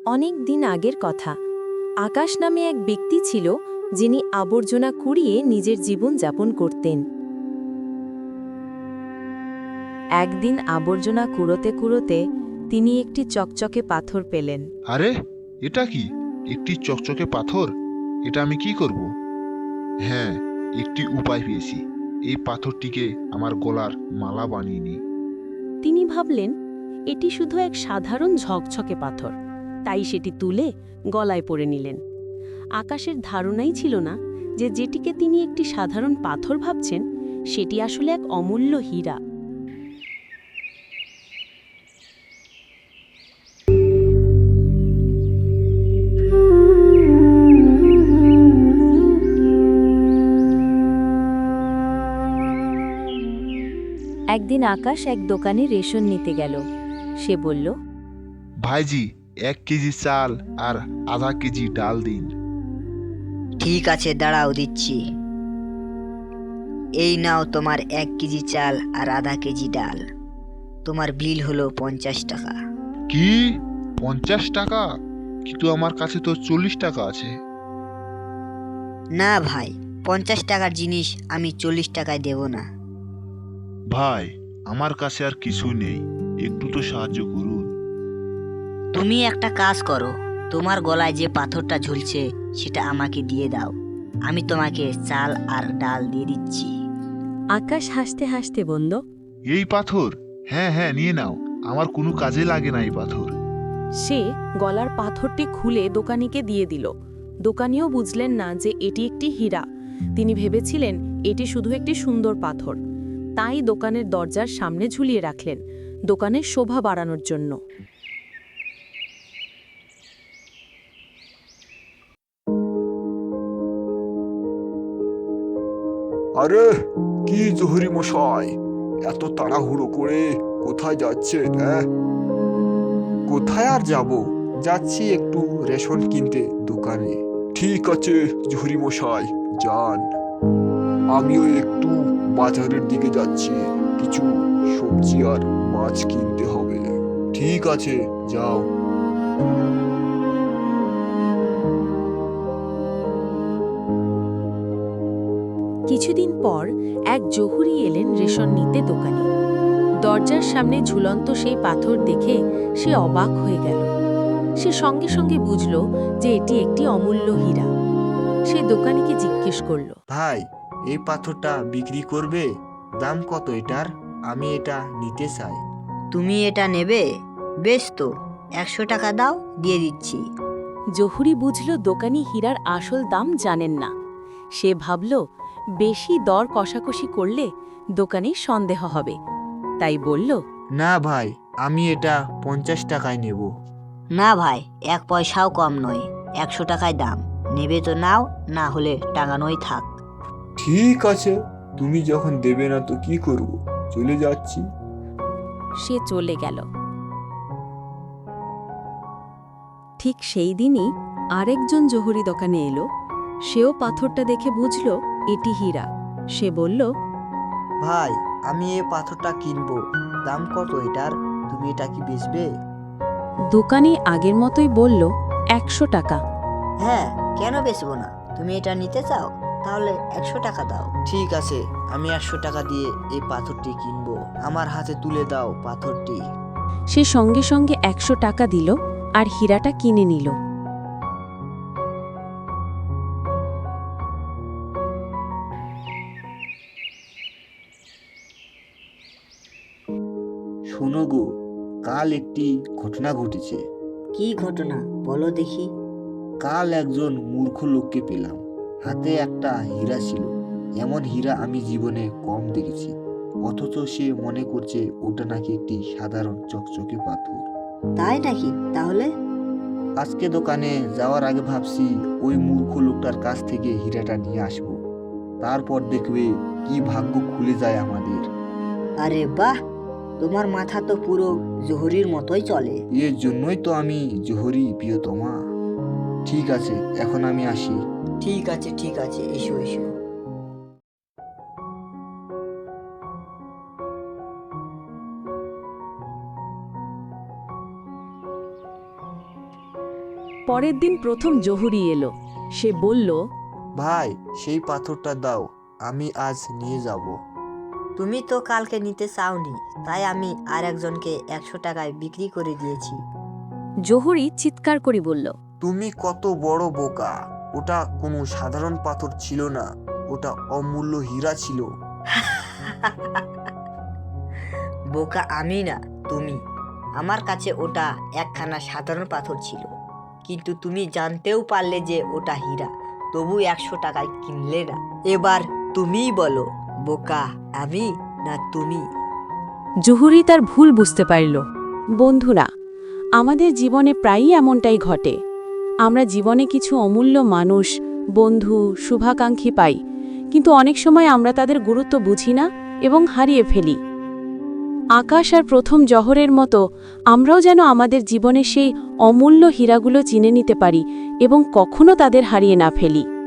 অনেক দিন আগের কথা। আকাশ নামে এক ব্যক্তি ছিল, যিনি আবর্জনা কুড়িয়ে নিজের জীবন যাপন করতেন। একদিন আবর্জনা কুড়োতে কুড়োতে তিনি একটি চকচকে পাথর পেলেন। আরে, এটা কি? একটি চকচকে পাথর। এটা আমি কি করব? হ্যাঁ, একটি উপায় পেয়েছি। এই পাথরটিকে আমার গলার মালা বানিয়ে নিই। তিনি ভাবলেন, এটি শুধু এক সাধারণ ঝকঝকে পাথর, তাই সেটি তুলে গলায় পরে নিলেন। আকাশের ধারণাই ছিল না যে যেটিকে তিনি একটি সাধারণ পাথর ভাবছেন, সেটি আসলে এক অমূল্য হীরা। একদিন আকাশ এক দোকানে রেশন নিতে গেল। সে বলল, ভাইজি, 1 কেজি চাল আর আধা কেজি ডাল দিন। ঠিক আছে, দাঁড়াও দিচ্ছি। এই নাও তোমার 1 কেজি চাল আর আধা কেজি ডাল। তোমার বিল হলো 50 টাকা। কি? 50 টাকা? কিন্তু আমার কাছে তো 40 টাকা আছে। না ভাই, 50 টাকার জিনিস আমি 40 টাকায় দেব না। ভাই, আমার কাছে আর কিছু নেই, একটু তো সাহায্য করুন। তুমি একটা কাজ করো, তোমার গলায় যে পাথরটা ঝুলছে সেটা আমাকে দিয়ে দাও। আমি তোমাকে চাল আর ডাল দিয়ে দিচ্ছি। আকাশ হাসতে হাসতে বলল, এই পাথর? হ্যাঁ হ্যাঁ, নিয়ে নাও। আমার কোনো কাজে লাগে না এই পাথর। সে গলার পাথরটি খুলে দোকানিকে দিয়ে দিল। দোকানিও বুঝলেন না যে এটি একটি হীরা। তিনি ভেবেছিলেন এটি শুধু একটি সুন্দর পাথর, তাই দোকানের দরজার সামনে ঝুলিয়ে রাখলেন, দোকানের শোভা বাড়ানোর জন্য। আরে, কি জহুরি মশাই, এত তাড়াহুড়ো করে কোথায় যাচ্ছেন? হ্যাঁ, কোথায় আর যাব? যাচ্ছি একটু রেশন কিনতে দোকানে। ঠিক আছে জহুরি মশাই, যান। আমিও একটু বাজারের দিকে যাচ্ছি, কিছু সবজি আর মাছ কিনতে হবে। ঠিক আছে, যাও। কিছুদিন পর এক জহুরি এলেন রেশন নিতে দোকানে। দরজার সামনে ঝুলন্ত সেই পাথর দেখে সে অবাক হয়ে গেল। সে সঙ্গে সঙ্গে বুঝল যে এটি একটি অমূল্য হীরা। সে দোকানিকে জিজ্ঞেস করল, ভাই, এই পাথরটা বিক্রি করবে? দাম কত এটার? আমি এটা নিতে চাই। তুমি এটা নেবে? বেশ তো, 100 টাকা দাও, দিয়ে দিচ্ছি। জহুরি বুঝল দোকানি হীরার আসল দাম জানেন না। সে ভাবল, বেশি দর কষাকষি করলে দোকানির সন্দেহ হবে, তাই বলল, না ভাই, আমি এটা 50 টাকায় নেব। না ভাই, 1 পয়সাও কম নয়, 100 টাকায় দাম। নেবে তো নাও, না হলে টাঙানোই থাক। ঠিক আছে, তুমি যখন দেবে না তো কি করব, চলে যাচ্ছি। সে চলে গেল। ঠিক সেই দিনই আরেকজন জহুরি দোকানে এলো। সেও পাথরটা দেখে বুঝল এটি হীরা। সে বলল, ভাই, আমি এই পাথরটা কিনবো। দাম কত এটার? তুমি এটা কি বেচবে? দোকানি আগের মতোই বলল, 100 টাকা। হ্যাঁ, কেন বেচবো না? তুমি এটা নিতে চাও? তাহলে 100 টাকা দাও। ঠিক আছে, আমি 100 টাকা দিয়ে এই পাথরটি কিনবো। আমার হাতে তুলে দাও পাথরটি। সে সঙ্গে সঙ্গে 100 টাকা দিল আর হীরাটা কিনে নিল। শোনো গো, কাল একটি ঘটনা ঘটেছে। কি ঘটনা বলো দেখি। কাল একজন মূর্খ লোককে পেলাম, হাতে একটা হীরা ছিল। এমন হীরা আমি জীবনে কম দেখেছি। অথচ সে মনে করছে ওটা নাকি একটি সাধারণ চকচকে পাথর। তাই নাকি? তাহলে আজকে দোকানে যাওয়ার আগে ভাবছি ওই মূর্খ লোকটার কাছ থেকে হীরাটা নিয়ে আসবো। তারপর দেখবে কি ভাগ্য খুলে যায় আমাদের। আরে বাহ, তোমার মাথা তো পুরো জহুরির মতোই চলে। এর জন্যই তো আমি জোহরি প্রিয়তমা। ঠিক আছে, এখন আমি আসি। ঠিক আছে, ঠিক আছে, এসো এসো। পরের দিন প্রথম জহুরি এলো। সে বলল, ভাই সেই পাথরটা দাও, আমি আজ নিয়ে যাব। তুমি তো কালকে নিতে চাওনি, তাই আমি আর একজনকে 100 টাকায় বিক্রি করে দিয়েছি। জহুরি চিৎকার করে বলল, তুমি কত বড় বোকা! ওটা কোনো সাধারণ পাথর ছিল না, ওটা অমূল্য হীরা ছিল। বোকা আমি না, তুমি। আমার কাছে ওটা একখানা সাধারণ পাথর ছিল, কিন্তু তুমি জানতেও পারলে যে ওটা হীরা, তবু 100 টাকায় কিনলে না। এবার তুমিই বলো, বোকা আমি না তুমি? জহুরি তার ভুল বুঝতে পারল। বন্ধুরা, আমাদের জীবনে প্রায়ই এমনটাই ঘটে। আমরা জীবনে কিছু অমূল্য মানুষ, বন্ধু, শুভাকাঙ্ক্ষী পাই, কিন্তু অনেক সময় আমরা তাদের গুরুত্ব বুঝি না এবং হারিয়ে ফেলি। আকাশ আর প্রথম জহরের মতো আমরাও যেন আমাদের জীবনে সেই অমূল্য হীরাগুলো চিনে নিতে পারি এবং কখনো তাদের হারিয়ে না ফেলি।